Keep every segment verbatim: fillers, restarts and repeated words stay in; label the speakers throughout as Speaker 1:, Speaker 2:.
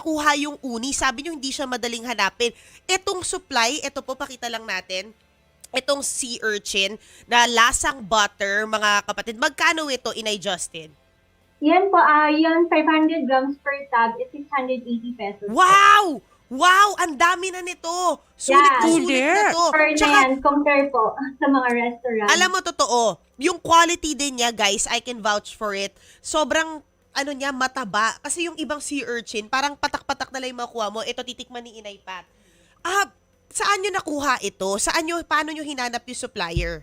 Speaker 1: makuha yung uni? Sabi nyo hindi siya madaling hanapin. Etong supply, ito po pakita lang natin. Itong sea urchin na lasang butter, mga kapatid. Magkano ito, Inay Justin?
Speaker 2: Yan po, ah yan five hundred grams per tub is six hundred eighty pesos po.
Speaker 1: Wow! Wow! Ang dami na nito! Sulit na
Speaker 2: Yeah.
Speaker 1: sulit na to.
Speaker 2: Per na
Speaker 1: Tsaka,
Speaker 2: yan, compare po sa mga restaurant.
Speaker 1: alam mo, totoo, yung quality din niya, guys, I can vouch for it. Sobrang, ano niya, mataba. Kasi yung ibang sea urchin, parang patak-patak na lang yung makuha mo. Ito, titikman ni Inay Pat. Ah, saan nyo nakuha ito? Saan nyo, paano nyo hinanap yung supplier?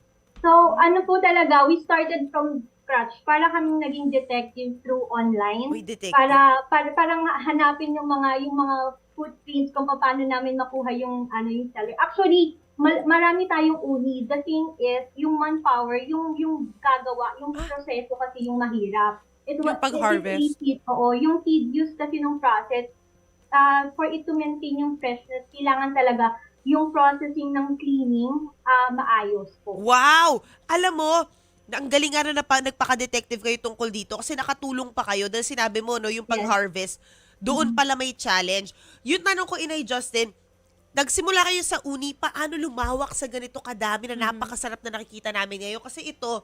Speaker 2: So, ano po talaga, we started from scratch. Para kaming naging detective through online.
Speaker 1: Uy, detective.
Speaker 2: Para, para parang hanapin yung mga yung mga footprints kung paano namin makuha yung ano yung seller. Actually, mal- marami tayong uni. The thing is, yung manpower, yung yung gagawa, yung proseso kasi yung mahirap. It
Speaker 3: Yung pag-harvest.
Speaker 2: It, oo, yung tedious kasi ng process. Uh, for it to maintain yung freshness, kailangan talaga yung processing ng cleaning uh, maayos po.
Speaker 1: Wow! Alam mo, ang galing nga na napa, nagpaka-detective kayo tungkol dito kasi nakatulong pa kayo dahil sinabi mo, no, yung pag-harvest, doon pala may challenge. Yung tanong ko, Inay Justin, nagsimula kayo sa uni, paano lumawak sa ganito kadami na napakasarap na nakikita namin ngayon? Kasi ito,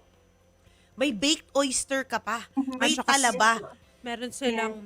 Speaker 1: may baked oyster ka pa, may
Speaker 3: At saka
Speaker 1: talaba.
Speaker 3: Meron silang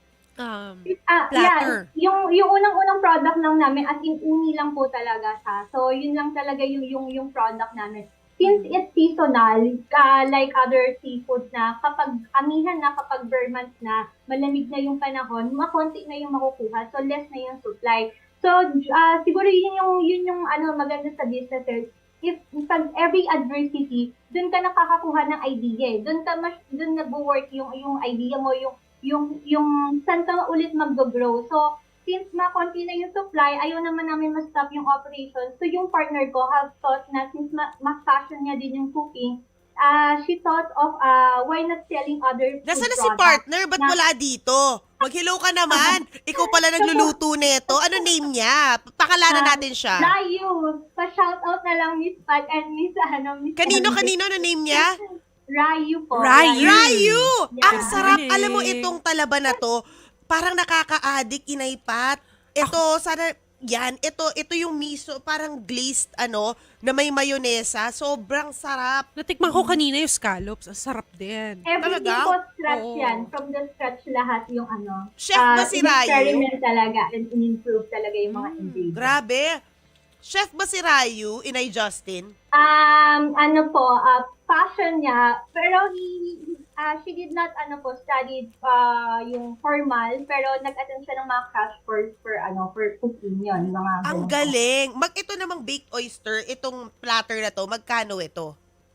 Speaker 3: um,
Speaker 2: Ah,
Speaker 3: platter.
Speaker 2: yeah. Yung yung unang-unang product lang namin, as in uni lang po talaga siya. So, yun lang talaga yung yung yung product namin. Since it's seasonal, uh, like other seafood na kapag amihan na, kapag bare months na, malamig na yung panahon, makonti na yung makukuha. So, less na yung supply. So, uh, siguro yun yung, yun yung ano, maganda sa businesses. If pag every adversity, dun ka nakakakuha ng idea. Dun ka mas, dun nag-work yung, yung idea mo, yung yung yung saan ka ulit mag-grow. So, since makonti na yung supply, ayaw naman namin ma-stop yung operation. So, yung partner ko have thought na since ma- mas-passion niya din yung cooking, uh, she thought of uh, why not selling other food
Speaker 1: Nasaan na si
Speaker 2: products.
Speaker 1: partner? Ba't
Speaker 2: na-
Speaker 1: wala dito? Mag-hello ka naman. Ikaw pala nagluluto nito. Ano name niya? Pakalanan
Speaker 2: Ah,
Speaker 1: natin siya.
Speaker 2: Rayu. Pa-shoutout na lang Miss Pat and Miss, ano, Miss
Speaker 1: Kanino,
Speaker 2: Emily.
Speaker 1: kanino na name niya?
Speaker 2: Rayu po.
Speaker 3: Rayu.
Speaker 1: Rayu!
Speaker 2: Yeah.
Speaker 1: Ang sarap.
Speaker 3: Galing.
Speaker 1: Alam mo, itong talaba na to, parang nakaka-addict, Inay Pat. Ito, sana, yan, ito, ito yung miso, parang glazed, ano, na may mayonesa. Sobrang sarap.
Speaker 3: Natikman ko kanina yung scallops. Ang sarap din.
Speaker 2: Everything
Speaker 1: Talaga?
Speaker 2: po scratch
Speaker 3: Oo.
Speaker 2: yan. From the scratch lahat yung ano.
Speaker 1: Chef ba
Speaker 2: ah,
Speaker 1: si Rayu?
Speaker 2: in-experiment talaga and in-improve talaga yung mga ingredients.
Speaker 1: Grabe. Chef ba si Rayu, Inay Justin?
Speaker 2: Um, ano po, uh, passion niya, pero he, uh, she did not, ano po, studied uh, yung formal, pero nag-attend siya ng mga crash course for, ano, for cooking yun. Mga
Speaker 1: Ang
Speaker 2: ganun po.
Speaker 1: galing. Mag ito namang baked oyster, itong platter na to, magkano ito?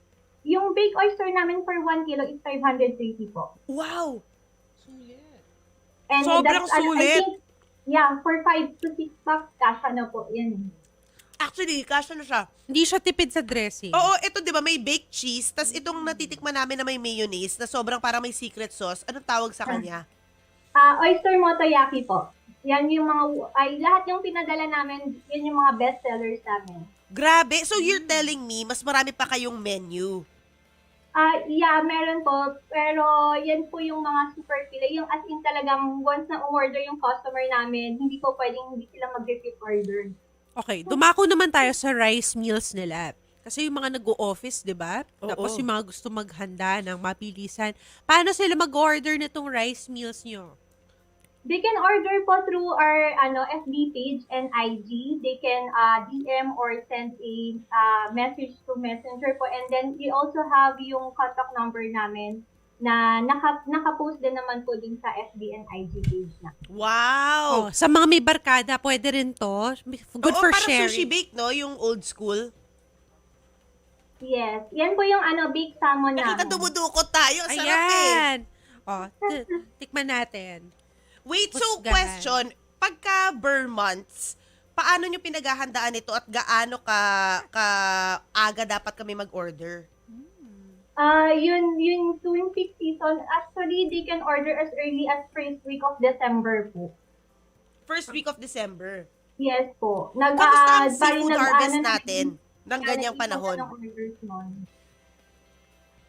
Speaker 2: Yung baked oyster namin for one kilo is five hundred thirty po.
Speaker 1: Wow!
Speaker 2: And
Speaker 1: Sobrang
Speaker 2: that's, ano, I
Speaker 1: sulit.
Speaker 2: think, yeah, for five to six packs, kasha na po, yan.
Speaker 1: Actually, kasya na siya.
Speaker 3: Hindi siya tipid sa dressing.
Speaker 1: Oo, ito 'di ba may baked cheese, tas itong natitikman namin na may mayonnaise na sobrang parang may secret sauce. Anong tawag sa kanya?
Speaker 2: Ah, oyster motoyaki po. Yan yung mga, ay, lahat yung pinadala namin, yan yung mga best sellers namin.
Speaker 1: Grabe. So you're telling me mas marami pa kayong menu.
Speaker 2: Ah, yeah, meron po. Pero yan po yung mga super pila. Yung as in talagang once na umorder yung customer namin, hindi po pwedeng hindi sila mag-repeat order.
Speaker 3: Okay, dumako naman tayo sa rice meals nila. Kasi yung mga nag-o-office, di ba?
Speaker 1: Oo.
Speaker 3: Tapos yung mga gusto maghanda ng mapilisan. Paano sila mag-order nitong rice meals nyo?
Speaker 2: They can order po through our ano F B page and I G. They can uh, D M or send a uh, message to Messenger po. And then we also have yung contact number namin na naka, naka-post din naman po din sa F B and I G page na.
Speaker 1: Wow.
Speaker 3: Oh, sa mga may barkada, pwede rin to. Good
Speaker 1: Oo,
Speaker 3: for
Speaker 1: parang
Speaker 3: sharing.
Speaker 1: sushi bake, no? Yung old school.
Speaker 2: Yes. Yan po yung ano baked salmon
Speaker 1: Nakita
Speaker 2: namin.
Speaker 1: dumudukot tayo. Sarap eh.
Speaker 3: Ayan. Oh, t- tikman natin.
Speaker 1: Wait, so
Speaker 3: Husgahan.
Speaker 1: question. Pagka burn months, paano nyo pinaghahandaan ito at gaano ka, ka aga dapat kami mag-order?
Speaker 2: Ah, yun, yun tuwing peak season, actually, they can order as early as first week of December po.
Speaker 1: First week of December.
Speaker 2: Yes po. Nag,
Speaker 1: Kamusta
Speaker 2: ah,
Speaker 1: ang
Speaker 2: bali
Speaker 1: seafood
Speaker 2: nag-
Speaker 1: harvest
Speaker 2: ano,
Speaker 1: natin ng
Speaker 2: nag-
Speaker 1: ganyang
Speaker 2: nag-ikot
Speaker 1: panahon?
Speaker 2: ng orders nun.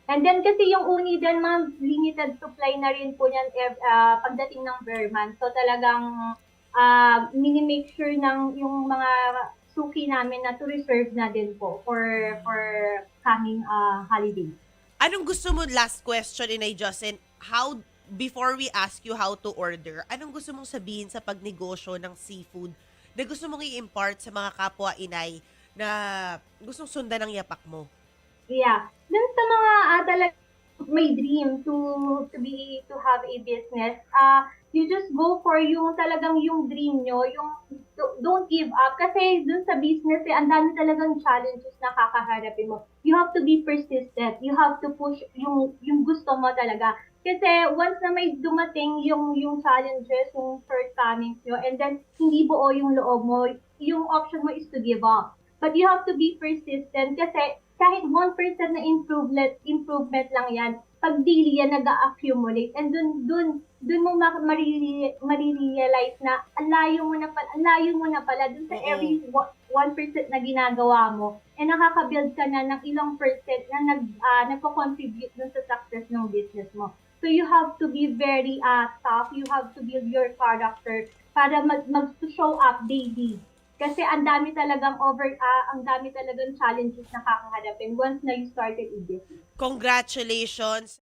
Speaker 2: And then kasi yung uni din, mga limited supply na rin po yan ev- ah, pagdating ng Verman. So talagang uh, mini-make sure ng yung mga suki namin na to reserve na din po for for coming uh, holiday.
Speaker 1: Anong gusto mo, last question, Inay Justin, how, before we ask you how to order, anong gusto mong sabihin sa pagnegosyo ng seafood na gusto mong i-impart sa mga kapwa inay na gustong sundan ng yapak mo?
Speaker 2: Yeah. Dun sa mga uh, talagang may dream to to be to have a business, uh, you just go for yung talagang yung dream nyo, yung do- don't give up. Kasi dun sa business, eh, ang dami talagang challenges na kakaharapin mo. You have to be persistent. You have to push yung yung gusto mo talaga. Kasi once na may dumating yung yung challenges, yung shortcomings nyo, and then hindi buo yung loob mo, yung option mo is to give up. But you have to be persistent kasi kahit one percent na improvement, improvement lang yan, pag daily yan nag-accumulate, and dun, dun, dun mo ma- marire- marirealize na ang layo mo na pala, ang layo mo na pala dun sa
Speaker 1: Oo.
Speaker 2: every one percent na ginagawa mo, and nakaka-build ka na ng ilang percent na nag, uh, nagko-contribute dun sa success ng business mo. So you have to be very uh, tough, you have to build your character para mag, mag-show up daily. Kasi ang dami talagang over, ah, ang dami talagang challenges na kakaharapin once na you started a business.
Speaker 1: Congratulations!